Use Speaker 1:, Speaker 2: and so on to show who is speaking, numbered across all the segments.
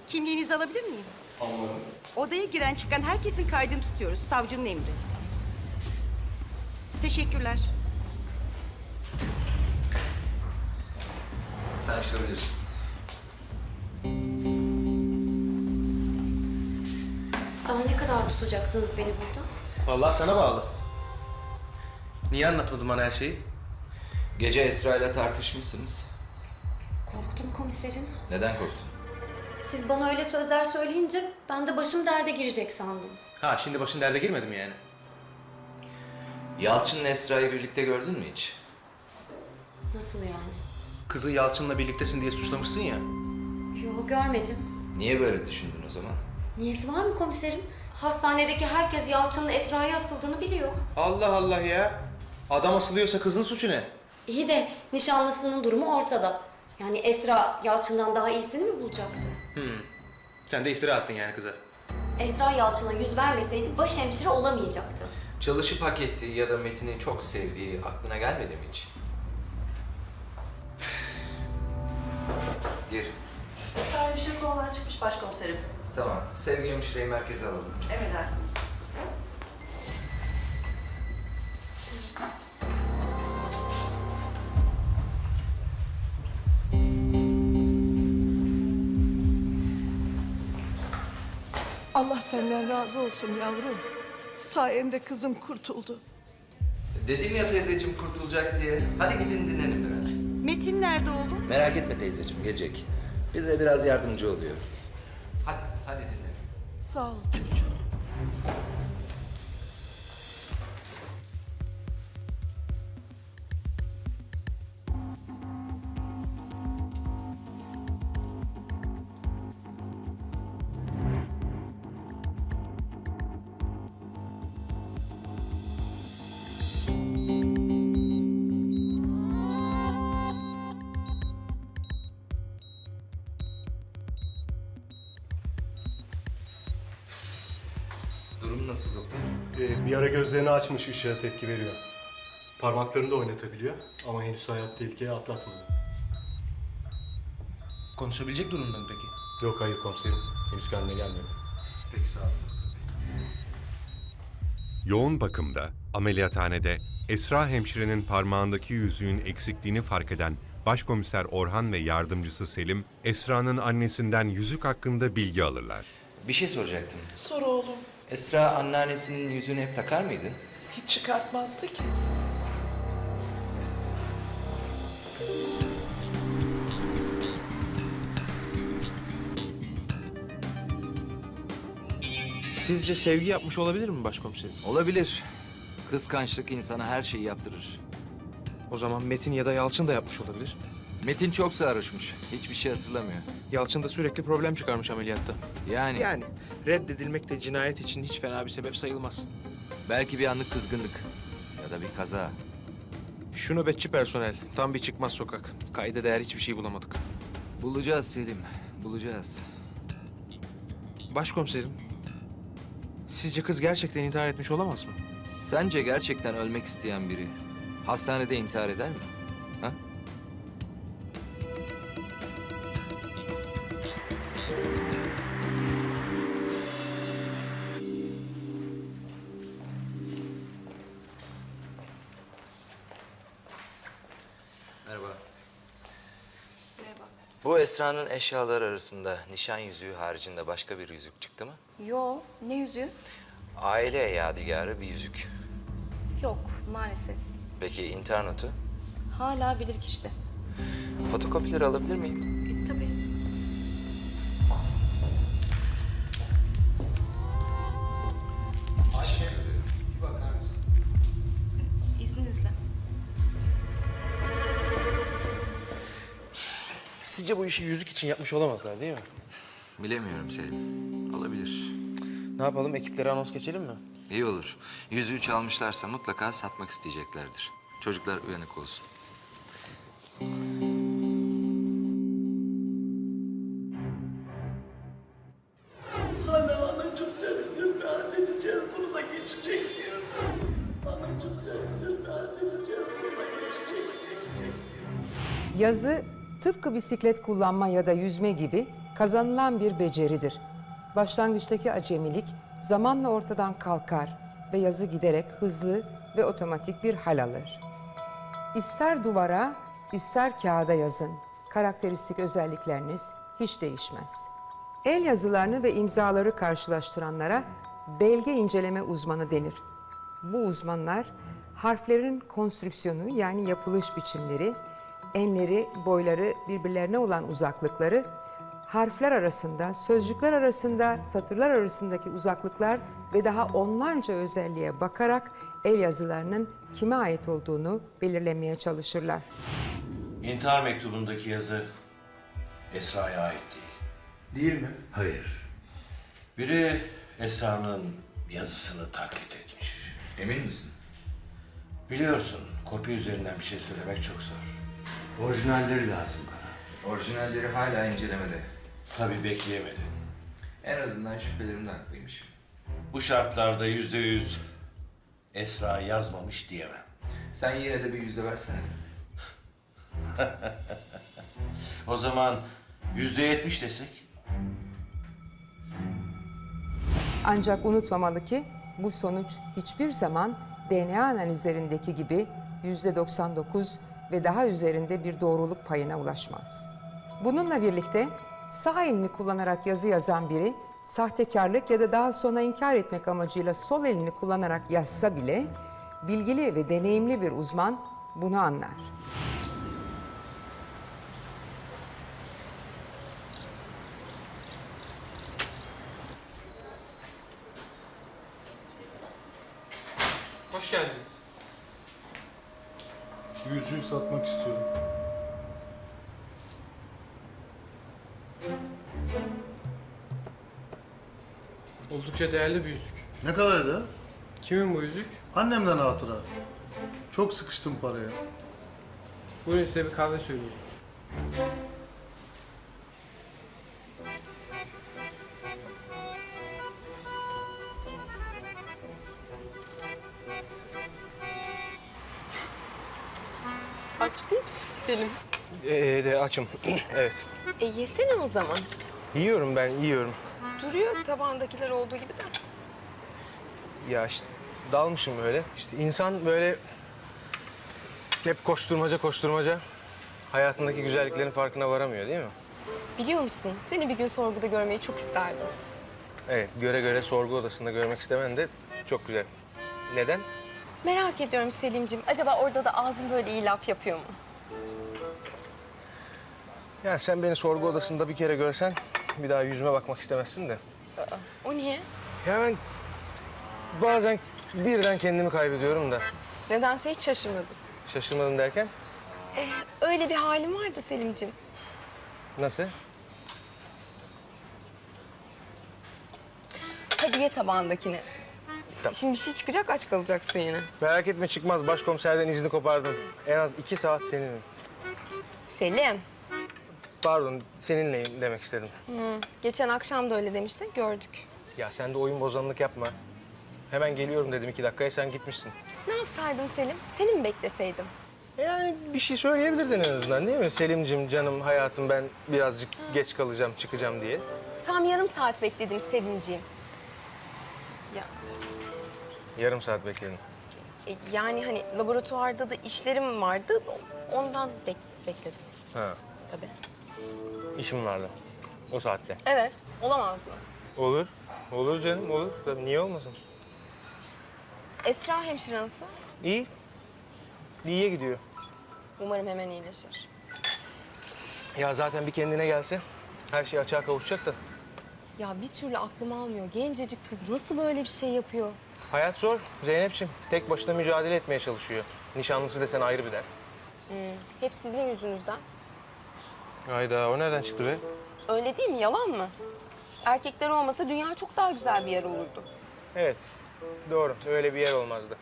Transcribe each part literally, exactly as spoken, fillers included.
Speaker 1: Kimliğinizi alabilir miyim?
Speaker 2: Anladım.
Speaker 1: Odaya giren çıkan herkesin kaydını tutuyoruz. Savcının emri. Teşekkürler.
Speaker 3: Sen çıkabilirsin.
Speaker 4: Daha ne kadar tutacaksınız beni burada?
Speaker 2: Vallahi sana bağlı. Niye anlatmadın bana her şeyi?
Speaker 3: Gece Esra ile tartışmışsınız.
Speaker 4: Korktum komiserim.
Speaker 3: Neden korktun?
Speaker 4: Siz bana öyle sözler söyleyince ben de başım derde girecek sandım.
Speaker 2: Ha, şimdi başın derde girmedi mi yani?
Speaker 3: Yalçın'la Esra'yı birlikte gördün mü hiç?
Speaker 4: Nasıl yani?
Speaker 2: Kızı Yalçın'la birliktesin diye suçlamışsın ya.
Speaker 4: Yo, görmedim.
Speaker 3: Niye böyle düşündün o zaman?
Speaker 4: Niyesi var mı komiserim? Hastanedeki herkes Yalçın'ın Esra'ya asıldığını biliyor.
Speaker 2: Allah Allah ya. Adam asılıyorsa kızın suçu ne?
Speaker 4: İyi de nişanlısının durumu ortada. Yani Esra Yalçın'dan daha iyisini mi bulacaktı?
Speaker 2: Hmm. Sen de iftira attın yani kıza.
Speaker 4: Esra Yalçın'a yüz vermeseydi başhemşire olamayacaktı.
Speaker 3: Çalışıp hak ettiği ya da Metin'i çok sevdiği aklına gelmedi mi hiç? Gir.
Speaker 5: Esra bir şey konudan çıkmış başkomiserim.
Speaker 3: Tamam. Sevgi hemşireyi merkeze alalım.
Speaker 5: Emredersiniz.
Speaker 6: Allah senden razı olsun yavrum. Sayende kızım kurtuldu.
Speaker 3: Dedim ya teyzeciğim kurtulacak diye. Hadi gidin dinlenin biraz.
Speaker 1: Metin nerede oğlum?
Speaker 3: Merak etme teyzeciğim gelecek. Bize biraz yardımcı oluyor. Hadi, hadi dinlenin.
Speaker 6: Sağ ol çocuğum.
Speaker 3: Durum nasıl doktor?
Speaker 7: Ee, bir ara gözlerini açmış, ışığa tepki veriyor. Parmaklarını da oynatabiliyor ama henüz hayat tehlikeye atlatmadı.
Speaker 2: Konuşabilecek durumda mı peki?
Speaker 7: Yok hayır komiserim, henüz kendine gelmedi.
Speaker 3: Peki sağ olun doktor bey.
Speaker 8: Yoğun bakımda, ameliyathanede Esra hemşirenin parmağındaki yüzüğün eksikliğini fark eden Başkomiser Orhan ve yardımcısı Selim, Esra'nın annesinden yüzük hakkında bilgi alırlar.
Speaker 3: Bir şey soracaktım.
Speaker 6: Sor oğlum.
Speaker 3: Esra anneannesinin yüzüğünü hep takar mıydı?
Speaker 6: Hiç çıkartmazdı ki.
Speaker 2: Sizce Sevgi yapmış olabilir mi başkomiserim?
Speaker 3: Olabilir. Kıskançlık insana her şeyi yaptırır.
Speaker 2: O zaman Metin ya da Yalçın da yapmış olabilir.
Speaker 3: Metin çok sarhoşmuş. Hiçbir şey hatırlamıyor.
Speaker 2: Yalçın da sürekli problem çıkarmış ameliyatta.
Speaker 3: Yani,
Speaker 2: Yani reddedilmek de cinayet için hiç fena bir sebep sayılmaz.
Speaker 3: belki bir anlık kızgınlık ya da bir kaza.
Speaker 2: Şu nöbetçi personel, tam bir çıkmaz sokak. Kayda değer hiçbir şey bulamadık.
Speaker 3: Bulacağız Selim, bulacağız.
Speaker 2: Başkomiserim, sizce kız gerçekten intihar etmiş olamaz mı?
Speaker 3: Sence gerçekten ölmek isteyen biri hastanede intihar eder mi? Ha? Merhaba.
Speaker 4: Merhaba.
Speaker 3: Bu Esra'nın eşyaları arasında nişan yüzüğü haricinde başka bir yüzük çıktı mı?
Speaker 9: Yo, ne yüzüğü?
Speaker 3: Aile yadigarı bir yüzük.
Speaker 9: Yok, maalesef.
Speaker 3: Peki intihar notu?
Speaker 9: Hala bilirkişide.
Speaker 3: Fotokopileri alabilir miyim?
Speaker 9: E, tabii. İzninizle.
Speaker 2: Sizce bu işi yüzük için yapmış olamazlar değil mi?
Speaker 3: Bilemiyorum Selim. Olabilir.
Speaker 2: Ne yapalım, ekiplere anons geçelim mi?
Speaker 3: İyi olur. Yüzüğü çalmışlarsa mutlaka satmak isteyeceklerdir. Çocuklar uyanık olsun.
Speaker 6: Anne anacığım sen üzülme, halledeceğiz, bunu da geçecek diyorum. Anacığım sen üzülme, halledeceğiz, bunu da geçecek, geçecek diyorum.
Speaker 10: Yazı tıpkı bisiklet kullanma ya da yüzme gibi kazanılan bir beceridir. Başlangıçtaki acemilik zamanla ortadan kalkar ve yazı giderek hızlı ve otomatik bir hal alır. İster duvara, ister kağıda yazın. Karakteristik özellikleriniz hiç değişmez. El yazılarını ve imzaları karşılaştıranlara belge inceleme uzmanı denir. Bu uzmanlar harflerin konstrüksiyonu yani yapılış biçimleri, enleri, boyları, birbirlerine olan uzaklıkları, harfler arasında, sözcükler arasında, satırlar arasındaki uzaklıklar ve daha onlarca özelliğe bakarak el yazılarının kime ait olduğunu belirlemeye çalışırlar.
Speaker 11: İntihar mektubundaki yazı Esra'ya ait değil.
Speaker 6: Değil mi?
Speaker 11: Hayır. Biri Esra'nın yazısını taklit etmiş.
Speaker 3: Emin misin?
Speaker 11: Biliyorsun, kopya üzerinden bir şey söylemek çok zor. Orijinalleri lazım bana.
Speaker 3: Orijinalleri hala incelemede.
Speaker 11: Tabii bekleyemedin.
Speaker 3: En azından şüphelerimde haklıymışım.
Speaker 11: Bu şartlarda yüzde yüz Esra yazmamış diyemem.
Speaker 3: Sen yine de bir yüzde versene.
Speaker 11: O zaman yüzde yetmiş desek?
Speaker 10: Ancak unutmamalı ki bu sonuç hiçbir zaman D N A analizlerindeki gibi yüzde doksan dokuz ve daha üzerinde bir doğruluk payına ulaşmaz. Bununla birlikte sağ elini kullanarak yazı yazan biri sahtekarlık ya da daha sonra inkar etmek amacıyla sol elini kullanarak yazsa bile bilgili ve deneyimli bir uzman bunu anlar.
Speaker 2: Hoş geldiniz.
Speaker 6: Yüzüğü satmak istiyorum.
Speaker 2: Oldukça değerli bir yüzük.
Speaker 6: Ne kadar eder?
Speaker 2: Kimin bu yüzük?
Speaker 6: Annemden hatıra. Çok sıkıştım paraya.
Speaker 2: Buyurun size bir kahve söyleyeyim.
Speaker 1: Aç değil misin Selim?
Speaker 2: Ee, de açım. Evet.
Speaker 1: E yesene o zaman.
Speaker 2: Yiyorum ben, yiyorum.
Speaker 1: Duruyor tabağındakiler olduğu gibi de.
Speaker 2: Ya işte dalmışım böyle. İşte insan böyle hep koşturmaca koşturmaca hayatındaki güzelliklerin farkına varamıyor değil mi?
Speaker 1: Biliyor musun? Seni bir gün sorguda görmeyi çok isterdim.
Speaker 2: Evet, göre göre sorgu odasında görmek istemen de çok güzel. Neden?
Speaker 1: Merak ediyorum Selim'ciğim. Acaba orada da ağzın böyle iyi laf yapıyor mu?
Speaker 2: Ya sen beni sorgu odasında bir kere görsen bir daha yüzüme bakmak istemezsin de.
Speaker 1: Aa, o niye?
Speaker 2: Ya ben bazen birden kendimi kaybediyorum da.
Speaker 1: Nedense hiç şaşırmadım.
Speaker 2: Şaşırmadım derken
Speaker 1: E, öyle bir halim vardı Selim'ciğim.
Speaker 2: nasıl?
Speaker 1: Hadi ye tabağındakini.
Speaker 2: Tamam.
Speaker 1: Şimdi bir şey çıkacak, aç kalacaksın yine.
Speaker 2: Merak etme çıkmaz. Başkomiserden izni kopardım. En az iki saat seninim.
Speaker 1: Selim.
Speaker 2: Pardon, seninleyim demek istedim.
Speaker 1: Hı, geçen akşam da öyle demiştin, gördük.
Speaker 2: Ya sen de oyun bozanlık yapma. Hemen geliyorum dedim iki dakikaya, sen gitmişsin.
Speaker 1: Ne yapsaydım Selim? Seni mi bekleseydim?
Speaker 2: Yani bir şey söyleyebilirdin en azından değil mi? Selim'cim, canım, hayatım ben birazcık geç kalacağım, çıkacağım diye.
Speaker 1: Tam yarım saat bekledim Selimciğim. Ya
Speaker 2: Yarım saat bekledim.
Speaker 1: e, yani hani laboratuvarda da işlerim vardı, ondan bek bekledim
Speaker 2: Ha,
Speaker 1: tabii.
Speaker 2: işim vardı o saatte.
Speaker 1: Evet, olamaz mı?
Speaker 2: Olur, olur canım, olur. Tabii niye olmasın?
Speaker 1: Esra hemşire nasıl?
Speaker 2: İyi, iyiye gidiyor.
Speaker 1: Umarım hemen iyileşir.
Speaker 2: Ya zaten bir kendine gelse her şey açığa kavuşacak da.
Speaker 1: Ya bir türlü aklım almıyor. Gencecik kız nasıl böyle bir şey yapıyor?
Speaker 2: Hayat zor Zeynep'ciğim. Tek başına mücadele etmeye çalışıyor. Nişanlısı desen ayrı bir dert.
Speaker 1: Hmm, hep sizin yüzünüzden.
Speaker 2: Hayda, o nereden çıktı be?
Speaker 1: Öyle değil mi? Yalan mı? Erkekler olmasa dünya çok daha güzel bir yer olurdu.
Speaker 2: Evet, doğru. Öyle bir yer olmazdı.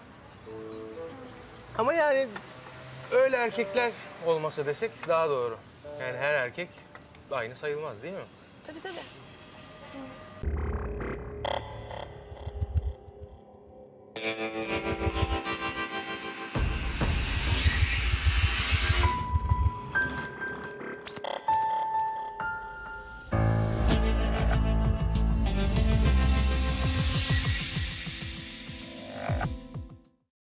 Speaker 2: Ama yani öyle erkekler olmasa desek daha doğru. Yani her erkek aynı sayılmaz değil mi?
Speaker 1: Tabii tabii. Evet.